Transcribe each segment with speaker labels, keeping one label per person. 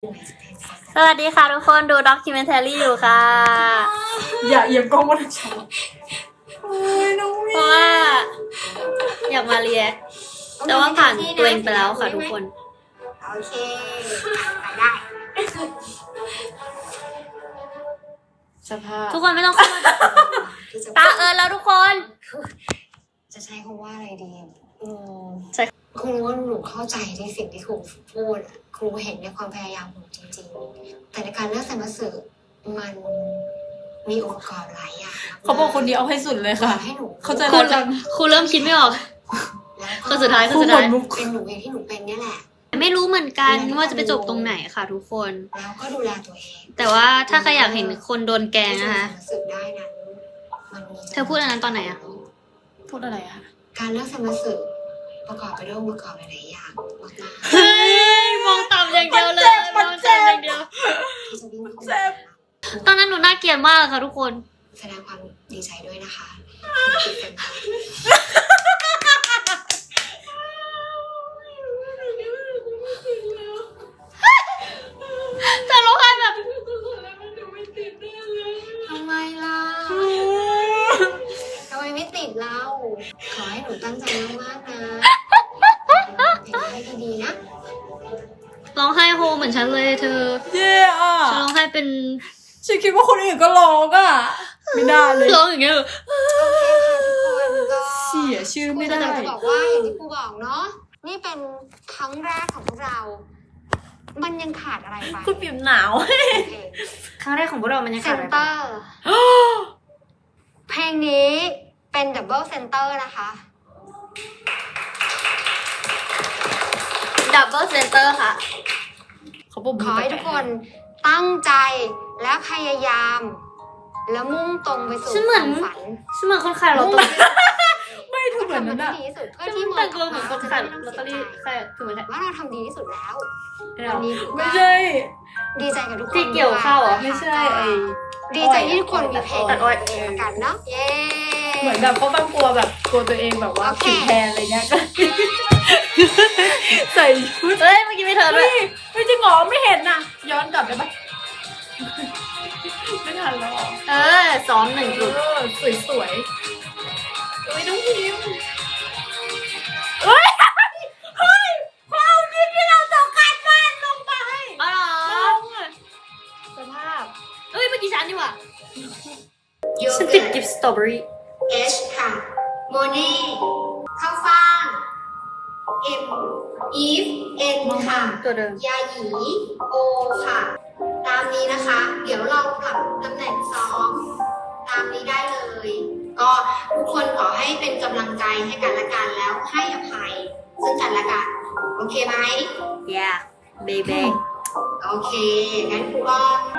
Speaker 1: สวัสดีค่ะทุกคนดูด็อกิเมนทารี่อยู่ค่ะ
Speaker 2: อย่าเอียงกล้องมาทางฉันโอ้ยน้อง
Speaker 1: เพ
Speaker 2: มี
Speaker 1: ราะว่าอยากมาเรียกแต่ว่าผ่านตัวเองไปแล้วค่ะทุกคน
Speaker 3: โอเคไปได้
Speaker 2: สภาพ
Speaker 1: ทุกคนไม่ต้องเข้ามาตาเอิญแล้วทุกคน
Speaker 3: จะใช้คำว่าอะไรดี
Speaker 1: ใช่
Speaker 3: ครูว่าหนูเข้าใจในสิ่งที่ครูพูดอะครูเห็นในความพยายามของหนูจริงๆ แต่ในการเลือกสรรพสื่อมันมีองค์ประกอบหลายอย่าง
Speaker 2: เขาบอกคนนี้เอาให้สุดเลยค่ะ
Speaker 3: ให้หนู
Speaker 2: เข้าใจ
Speaker 1: ครู
Speaker 2: แล้วจัง
Speaker 1: ครูเริ่มคิดไม่ออก
Speaker 3: แล้ว
Speaker 1: คนสุดท้าย
Speaker 2: ครูหมดมุก
Speaker 3: เป็นหนูอย่างที่หนูเป็นเนี่ยแหละ
Speaker 1: ไม่รู้เหมือนกันว่าจะไปจบตรงไหนค่ะทุกคน
Speaker 3: แล้วก็ดูแลตัวเอง
Speaker 1: แต่ว่าถ้าใครอยากเห็นคนโดนแกล้งนะคะ
Speaker 3: ที่จสรรพสื่อได้นั้นมันมี
Speaker 1: เธอพูดอันนั้นตอนไหนอะ
Speaker 2: พูดอะไรอะ
Speaker 3: การเลือกสรรพสื่อประกอบไปด้วยองค์ประกอบหลายๆอย่างมาก
Speaker 1: เฮ้ยมองต่ำอย่างเดียวเลยมองต่ำอย่างเดียว
Speaker 3: ๆที่จะวิ่งเข้ามา
Speaker 1: ตอนนั้นหนูน่าเกลียดมากเลยค่ะทุกคน
Speaker 3: แสดงความดีใจด้วยนะคะ
Speaker 1: จะร้องไห้แบบ
Speaker 3: ทำไมล่ะทำไมไม่ติดเรา ขอให้หนูตั้งใจมากๆนะเห็นให้ดีๆนะ
Speaker 1: ร้องไห้โฮเหมือนฉันเลยเธอ
Speaker 2: เย่อะ
Speaker 1: ฉันร้องไห้เป็น
Speaker 2: ฉันคิดว่าคนอื่นก็ร้องอะไม่ได้เลย
Speaker 1: ร้องอย่างเงี้ย
Speaker 3: โอเคค่ะทุกคนก็
Speaker 2: เสียชื่อไม่ได้
Speaker 3: ครูจะบอกว่าอย่างที่ครูบอกเนาะ นี่เป็นครั้งแรกของพวกเรา มันยังขาดอะไรไป
Speaker 2: คุณปิ่มหนาว
Speaker 3: โอเค
Speaker 1: ครั้งแรกของพวกเรามันยัง
Speaker 3: เซ
Speaker 1: ขาด
Speaker 3: น
Speaker 1: อะไร
Speaker 3: เต
Speaker 1: ไป
Speaker 3: อร์ เพลงนี้เป็นดับเบิลเซนเตอร์นะคะ
Speaker 1: ดับเบิลเซนเตอร์ค่ะ
Speaker 2: เขาบอก
Speaker 3: ขอให้ทุกคนตั้งใจและพยายาม และมุ่งตรงไปสู่
Speaker 1: ฉันเหมื
Speaker 3: ค
Speaker 1: อน
Speaker 3: วามฝัน
Speaker 1: ฉันเหมือนคนขายลอตเตอรี่
Speaker 2: ไม่ถูกเหมือน
Speaker 3: ทำมั
Speaker 2: นั้น น
Speaker 3: ให้
Speaker 2: อะ
Speaker 3: ดีที่สุดเพื่อ
Speaker 1: ฉัน
Speaker 3: ที่มอ
Speaker 1: แต่
Speaker 3: ง
Speaker 1: ง
Speaker 3: ก
Speaker 1: ตั
Speaker 3: ลั
Speaker 1: ว
Speaker 3: บ
Speaker 1: เหมือน
Speaker 3: มา
Speaker 1: คน
Speaker 3: จะ
Speaker 1: ขาย
Speaker 3: ได้
Speaker 1: ลอต
Speaker 3: ไม่
Speaker 1: เตอ
Speaker 3: ต้องเสี
Speaker 1: รี่
Speaker 3: ยใจ
Speaker 1: ใช่คือเหมือน
Speaker 3: ว่าเราทำดีที่สุดแล้ว
Speaker 2: เรา
Speaker 3: วันนี้ครู
Speaker 2: ไม่
Speaker 3: ก็
Speaker 2: ใช่
Speaker 3: ดีใจกับทุกคน
Speaker 1: ที่เกี่ยวข้าวเหรอ
Speaker 3: ด้วย
Speaker 2: ไม่
Speaker 3: นะคะ
Speaker 2: ใช่ไอ้
Speaker 3: ดีใจที่ทุกคนมีเพลง
Speaker 1: ตัดอ้อย
Speaker 3: ของตัวเองละกันเนาะเย้
Speaker 2: เหมือนแบบเขาบางกลัวแบบกลัวตัวเองแบบว่า
Speaker 3: โอเค
Speaker 2: ผิวแทนอะไรเงี้ยก็ ใส่ชุด
Speaker 1: เฮ้ยเมื่อกี้ไม่เธอด้ว
Speaker 2: เฮ้
Speaker 1: ย
Speaker 2: ยไม่จริงเหรอไม่เห็นน่ะ ย้อนกลับได้ปะไม่ทันแล้วเหรอ
Speaker 1: ซ้อมหนึ่งจุด
Speaker 2: สวยๆอุ้ยน้องพิมเฮ้ยความคิดที่เราต้องการบ้านลงไป
Speaker 1: อ๋อเหรอ
Speaker 2: สภาพ
Speaker 1: เอ้ยเมื่อกี้ฉันนี่หว่า
Speaker 3: โย
Speaker 1: ฉัน
Speaker 3: เกิ
Speaker 1: ติด
Speaker 3: ร์ต
Speaker 1: กิฟต์สตรอเบอรี่
Speaker 3: H ค่ะโมเน่ข้าวฟ่างเอ็มอีฟเอ็นค่ะ
Speaker 1: ตัวเดิม
Speaker 3: ยาหยีโอค่ะ ตามนี้นะคะ เดี๋ยวเราปรับตำแหน่งซ้อมตามนี้ได้เลย ก็ทุกคนขอให้เป็นกำลังใจให้กันและกันแล้วให้อภัยซึ่งกันและกัน โอเคไหม
Speaker 1: yeah baby
Speaker 3: โอเค งั้นครูก็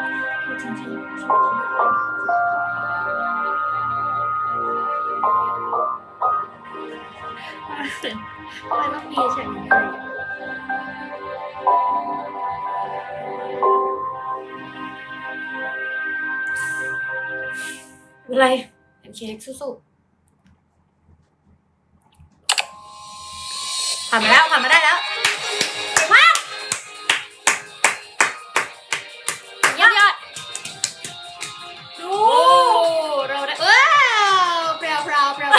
Speaker 1: ทำไมต้องดีเฉยๆ
Speaker 2: อะไรเป็นเค้กสู้ๆผ่านมาแล้วผ่านมาได้แล้ว
Speaker 1: ยอด
Speaker 2: ดู
Speaker 1: เราได้ว้าวเปรี้ยวเปรี้ยวเปรี้ยว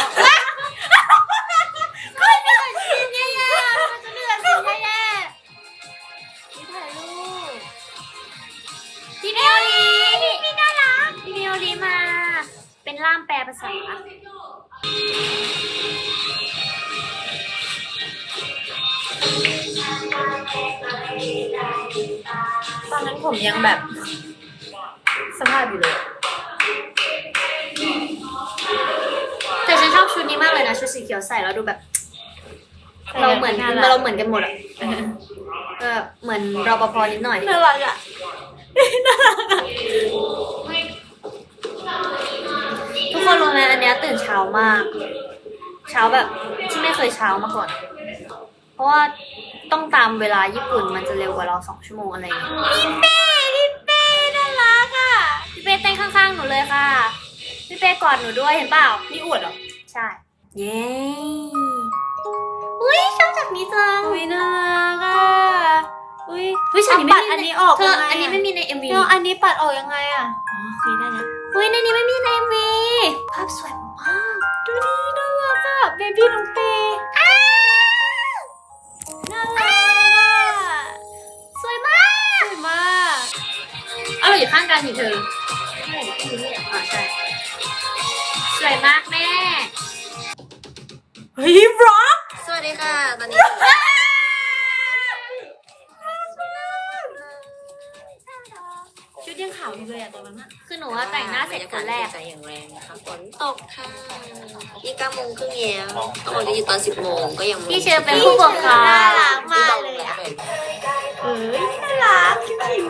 Speaker 1: ก็เหนื่อยสิแย่ๆมันจะเหนื่อยสิแย่ๆนี่ถ่ายรูปพี่เดียวลีพี่น่ารักพี่เดียวลีมา เป็นล่ามแปลภาษา
Speaker 2: ตอนนั้นผมยังแบบสภาพอยู่เลย
Speaker 1: แต่ฉันชอบชุดนี้มากเลยนะชุดสีเขียวใส่แล้วดูแบบ เราเหมือนกันหมดอ่ะเหมือนรปภนิดหน่อย
Speaker 2: น่ารักอ่ะ
Speaker 1: ทุกคนรู้ไหมอันเนี้ยตื่นเช้ามาก เช้าแบบที่ไม่เคยเช้ามาก่อน เพราะว่าต้องตามเวลาญี่ปุ่นมันจะเร็วกว่าเรา2 ชั่วโมงอะไรอย่างเงี้ยพี่เป้น่ารักอ่ะพี่เป้เต้นข้างๆหนูเลยค่ะพี่เป้กอดหนูด้วยเห็นเปล่า
Speaker 2: นี่อวดเหรอ
Speaker 1: ใช่ เย้อุ้ยชอบจากนี้จัง
Speaker 2: อุ้ยน่ารักอ่ะอุ้ย
Speaker 1: เฮ้ยฉัน
Speaker 2: ปัดอันนี้ออก
Speaker 1: เธอ
Speaker 2: ยังไง
Speaker 1: อันนี้ไม่มีใน MV
Speaker 2: เธออันนี้ปัดออกยังไงอ่ะอ๋อโอเคได้แล้ว
Speaker 1: เฮ้ยในนี้ไม่มีใน MV ภาพสวยมาก
Speaker 2: ดูดิน่ารักอ่ะเบบี้น้องเตน่ารักอ่ะ
Speaker 1: สวยมาก
Speaker 2: สวยมาก
Speaker 1: เอาเราอยู่ข้างกันอยู่เธออ๋อใช่สวยมากแม่
Speaker 2: เฮ้ยร็อก
Speaker 1: สวัสดีค่ะ ตอนนี้
Speaker 2: ชุดยังขาวอยู่เลยอ่ะตอนนั้นอ่ะ
Speaker 1: คือหนูว่าแต่งหน้าเสร็จคนแรก
Speaker 4: ใจอย่างแรงนะคะฝนตกค่ะนี่9 โมงครึ่งแล้วต้องบอกจะอยู่ตอน10 โมงก็ยัง
Speaker 1: พี่เชอร์เป็นผู้ปกครอง
Speaker 2: น่ารักมากเลยอ่ะเอ้ยน่ารักคิ้ว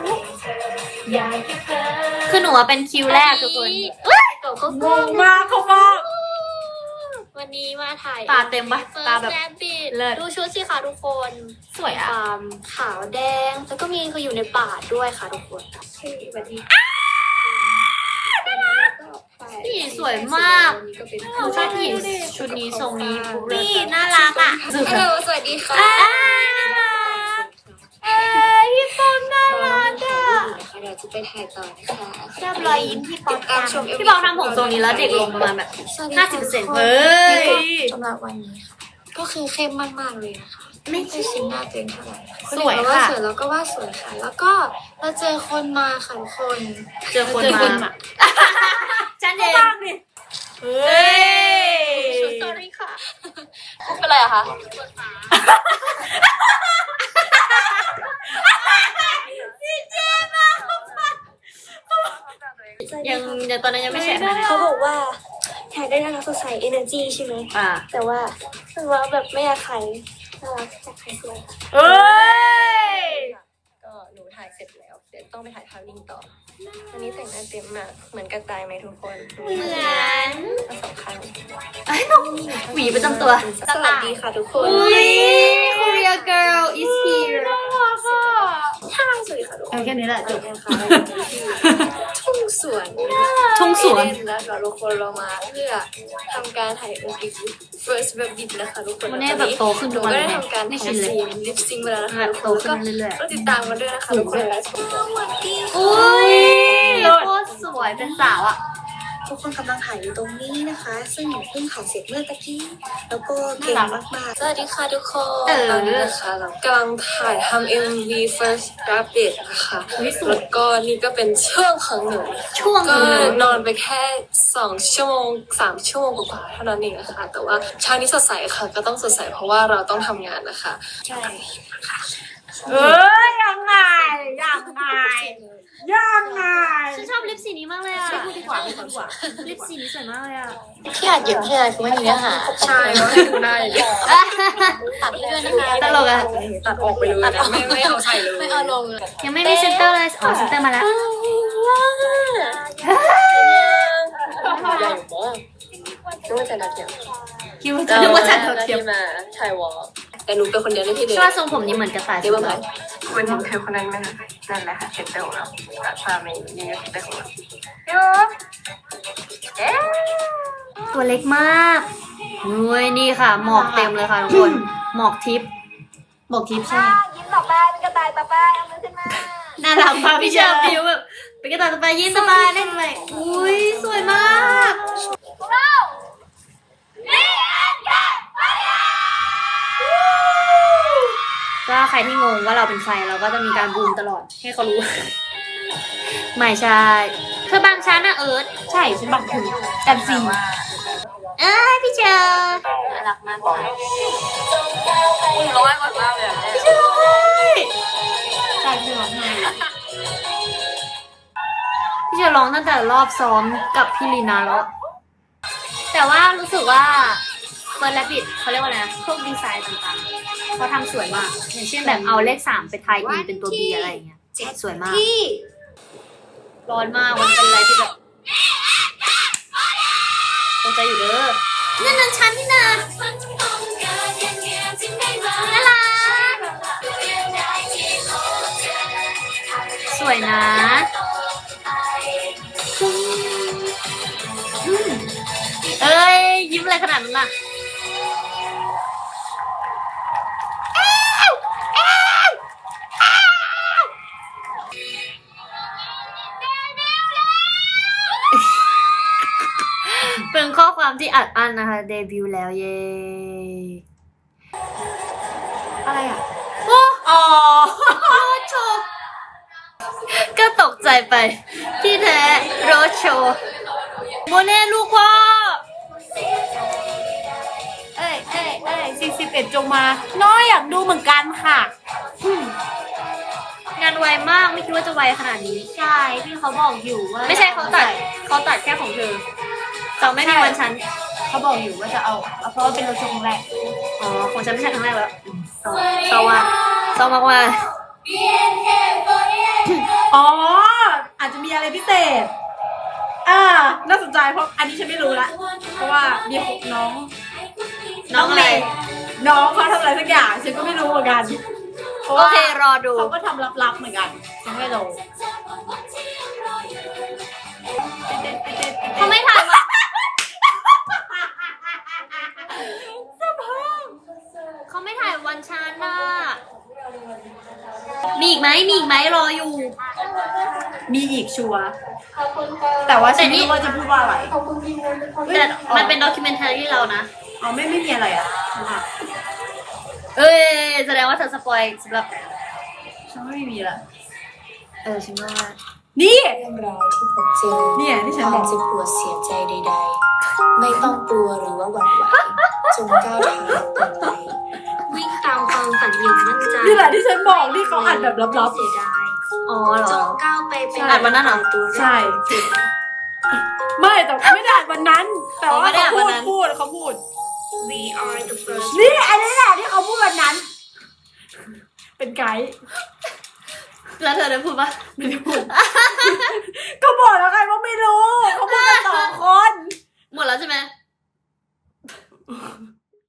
Speaker 1: คือหนูว่าเป็นคิวแรกทุกคน
Speaker 2: งงมากเขาบอก
Speaker 4: วันนี้มาถ่าย
Speaker 1: ตาเต็มปะตาแบบ
Speaker 4: แซบบิด
Speaker 2: เลิศ
Speaker 4: ดูชุดสิคะทุกคน
Speaker 2: สวยอ่ะ
Speaker 4: ขาวแดง แล้วก็มีคืออยู่ในป่าด้วยค่ะทุกคนสวัสดี
Speaker 1: พี่สวยมากหนูชอบผู้หญิงชุดนี้ทรงนี้ปุ๊บเลย
Speaker 2: นี่น่ารักอ่ะ
Speaker 4: ฮัลโหลสวัสดีค่ะ
Speaker 2: เอ้ยพี่ปอมน่ารักอ่ะ
Speaker 4: เดี๋ยวจะไปถ่ายต่อนะคะ
Speaker 2: ชอบรอยยิ้มพี่ปอม
Speaker 4: ตามชม
Speaker 1: พี่บอกทำผมทรงนี้แล้วเด็กลงประมาณแบบ 50%
Speaker 2: เฮ้ย
Speaker 4: สำหรับวันนี้ค่ะ ก็คือเข้มมากๆเลยนะคะ ไม่ใช่ชิ้นหน้าเต็มเท่าไหร่
Speaker 2: สวย
Speaker 4: คนอื่นก็ว่า
Speaker 2: ค่ะ
Speaker 4: สวยแล้วก็ว่าสวยค่ะ แล้วก็เราเจอคนมาค่ะทุกคน
Speaker 1: เจอคนมาฉันเอง
Speaker 2: เฮ้ย
Speaker 4: สอรี่ค่ะเป็นไรอะคะ
Speaker 1: ยังตอนนั้นยังไม่แฉะขนาดนั้น
Speaker 4: เขาบอกว่าอยากได้น่ารักสดใส energy ใช่ไหม
Speaker 1: อ่า
Speaker 4: แต่ว่าแบบไม่อยากขายน่ารักอยากขายสวย
Speaker 2: เฮ้ย
Speaker 4: ก็หนูถ่ายเสร็จแล้ว เดี๋ยวต้องไปถ่ายภาพนิ่งต่อ วันนี้แต่งหน้าเต็มมาก เหมือนกระต่ายไหมทุกคน
Speaker 1: เหมือน
Speaker 4: สำคัญ
Speaker 1: หวีประจำตัว
Speaker 4: สวัสดีค่ะทุกคน
Speaker 1: อุ้ย Korea girl is here
Speaker 2: น่ารักอ่ะ
Speaker 4: ใช่สวัสดีค่ะทุกคน
Speaker 1: แค่นี้แหละจบ
Speaker 4: นะคะทุ่งสวน
Speaker 1: ทุ่งสวน
Speaker 4: เอเดแล้วค่ะทุกคนเรามาเพื่อทำการถ่าย MV first baby นะคะทุกคน
Speaker 1: วันนี้แบบโตขึ้น
Speaker 4: ห
Speaker 1: ทุ
Speaker 4: นู
Speaker 1: กวัน
Speaker 4: ก็
Speaker 1: เลย
Speaker 4: ได้ทำการ
Speaker 1: ไม่
Speaker 4: ถ่า
Speaker 1: ชิ
Speaker 4: ย
Speaker 1: นเลย
Speaker 4: ซีนลิปซิงค์ไปแล้วนะคะ
Speaker 1: แบบ
Speaker 4: ทุก
Speaker 1: โต
Speaker 4: คน
Speaker 1: ขึ้นเรื่อย
Speaker 4: ก็ติดตามกันด้วยนะคะทุกคนและสวัสดี
Speaker 1: ๆอุ้ยโคตรสวยเป็นสาวอ่ะ
Speaker 4: ทุกคนกำลังถ่ายอยู่ตรงนี้นะคะ ซึ่งหนูเพิ่งถ่ายเสร็จเมื่อตะกี้ แล้วก็เก่งมากๆ สวัสดีค่ะทุกคน ตอนนี้นะคะเรากำลังถ่ายทำ MV first rabbit นะคะแล้วก็นี่ก็เป็นช่วงของหนู
Speaker 1: ช่วง
Speaker 4: ก็
Speaker 1: นึง
Speaker 4: นอนไปแค่2 ชั่วโมง 3 ชั่วโมงกว่าๆเท่านั้นเองนะคะ แต่ว่าเช้านี้สดใสค่ะ ก็ต้องสดใสเพราะว่าเราต้องทำงานนะคะ ใช่
Speaker 2: เอ้ยยังไงยังไงยังไง
Speaker 1: ฉันชอบลิปสีนี้มากเลยอ่ะพูดดีกว่าลิปสีนี้สวยมากเลยอ่ะ
Speaker 4: ที่อาจเย็บที่อะไรคือไม่มีเนื้อหาใช่ก็ให้ดูได้ตัดให้ด้วยนะคะ
Speaker 1: ตลกอ่ะ
Speaker 4: ตัดออกไปเลยนะไม่เอาใส่เลยไม่เอาลงเลย
Speaker 1: ยังไม่มีเซนเตอร์เลยอ๋อเซนเตอร์มาแล้ว
Speaker 4: ใหญ่มากนึกว่าจะนัดเดียว
Speaker 1: คิดว่าจะนึกว่าฉันเทียม
Speaker 4: มาถ่ายวอล์กแต่หนูเป็นคนเดียวที่เดิน
Speaker 1: ช่วทรงผมนี้เหมือนกระต่าย
Speaker 4: เดี๋ยวมาไหม
Speaker 5: คุณเห็นเธอคนนั้นไหมคะนั่นแหละค่ะเซนเตอร์ของเราฟาร์มนี่เซนเตอร์ของเรา
Speaker 1: ตัวเล็กมากอุ้ยนี่ค่ะ หมอกเต็มเลยค่ะทุกคนหมอกทิพย์หมอกทิพย์ใช่
Speaker 4: ยิ้มต่อไปเป็นกระต่ายต่อไปเอามือขึ้นมา
Speaker 1: น่ารักมากพี่เชอร์ฟิวแบบเป็นกระต่ายสบายยิ้มสบายเล่นไปอุ้ยสวยมากก็ใครที่งงว่าเราเป็นใครเราก็จะมีการบูมตลอดให้เขารู้ ไม่ใช่เธอบางชั้นอะเอิร์ธ
Speaker 2: ใช่ฉันบังคือกันซี
Speaker 1: เอ้ยพี่เชอร์
Speaker 4: น่ารักมากค่ะ
Speaker 5: ร้อยหมดมากเลยอะ
Speaker 2: ใจเดือดมาก
Speaker 1: พี่เชอร์ร้องตั้งแต่รอบซ้อมกับพี่ลีนาแล้ว แต่ว่ารู้สึกว่าเฟิร์สแลบบิดเขาเรียกว่าอะไรนะพวกดีไซน์ต่างๆเขาทำสวยมาก อย่างเช่นแบบเอาเลข 3 ไปทายอีเป็นตัว B อะไรอย่างเงี้ยสวยมาก ร้อนมากมันเป็นอะไรที่แบบตกใจอยู่เด้อนั่นฉันนี่นะน่ารักสวยนะเอ้ยยิ้มอะไรขนาดนั้นน่ะความที่อัดอั้นนะคะ เดบิวต์แล้วเย้
Speaker 2: อะไรอ่ะ
Speaker 1: โอ้
Speaker 2: อ๋อ
Speaker 1: โชว์ก็ตกใจไป ที่แท้โรดโชว์โมเน่ลูกพ่อ
Speaker 2: เอ้ย41จงมา น้อยอยากดูเหมือนกันค่ะ
Speaker 1: งานไวมากไม่คิดว่าจะไวขนาดนี้
Speaker 2: ใช่ที่เขาบอกอยู่ว่า
Speaker 1: ไม่ใช่เขาตัดแค่ของเธอเราไม่มีวันฉัน
Speaker 2: เขาบอกอยู่ว่าจะเอาเพราะว่าเป็นรถชงแรก
Speaker 1: อ๋อของฉันไม่ใช่ครั้งแรกแล้วเศร้ามากเศร้ามากว่า
Speaker 2: อ๋อ อาจจะมีอะไรพิเศษ น่าสนใจเพราะอันนี้ฉันไม่รู้ละเพราะว่ามีน้อง
Speaker 1: น้องอะไร
Speaker 2: น้องเขาทำอะไรสักอย่างฉันก็ไม่รู้เหมือนกันพราะ
Speaker 1: โอ
Speaker 2: ว่า
Speaker 1: เครอดู
Speaker 2: เขาก็ทำลับๆเหมือนกันฉันไม่รู้
Speaker 1: เขาไม่ถ่ายวันเขาไม่ถ่ายวันชาญน่ะมีอีกไหมรออยู่
Speaker 2: มีอีกชัวร์แต่ว่าฉันไม่รู้ว่าจะพูดว่าอะไร
Speaker 1: แต่มันเป็นด็อกิเมนทารีเรานะ
Speaker 2: อ๋อไม่มีอะไรอ่ะค่ะ
Speaker 1: เอ้ยแสดงว่าเธอสปอยสำหรับ
Speaker 2: ฉันไม่มีละ
Speaker 1: ฉันว่า
Speaker 2: นี่
Speaker 4: เรื่องร้ายที่พบเจอ
Speaker 2: เนี่ยที่ฉัน
Speaker 4: ค
Speaker 2: บ
Speaker 4: วา
Speaker 2: อ
Speaker 4: ม
Speaker 2: ก
Speaker 4: เจ็บปวดเสียใจใดๆ ไม่ต้องกลัวหรือว่าหวั่นไหวจงก้าวเท้าต่อไป
Speaker 3: วิ่งตามความฝันอย่างมั่นใจ
Speaker 2: นี่แหละที่ฉันบอกที่เขาอัดแบบลับ
Speaker 3: เสียดาย
Speaker 1: อ๋อเหร
Speaker 3: จ
Speaker 1: อ
Speaker 3: งก้าวไปเป็น
Speaker 1: อ่านวันนั้นเหรอ
Speaker 3: ตัว
Speaker 2: ๆใช่ไม่แต่ไม่ได้อัดวันนั้น แต่ว่า
Speaker 1: ไม่ได้
Speaker 2: เขา
Speaker 1: อัดวันนั้น
Speaker 2: พูดเขาพูด
Speaker 3: We are the first
Speaker 2: นี่อันนี้แหละที่เขาพูดวันนั้น เป็นไกด์
Speaker 1: แล้วเธอได้พูดปะ
Speaker 2: ไม่ได้พูด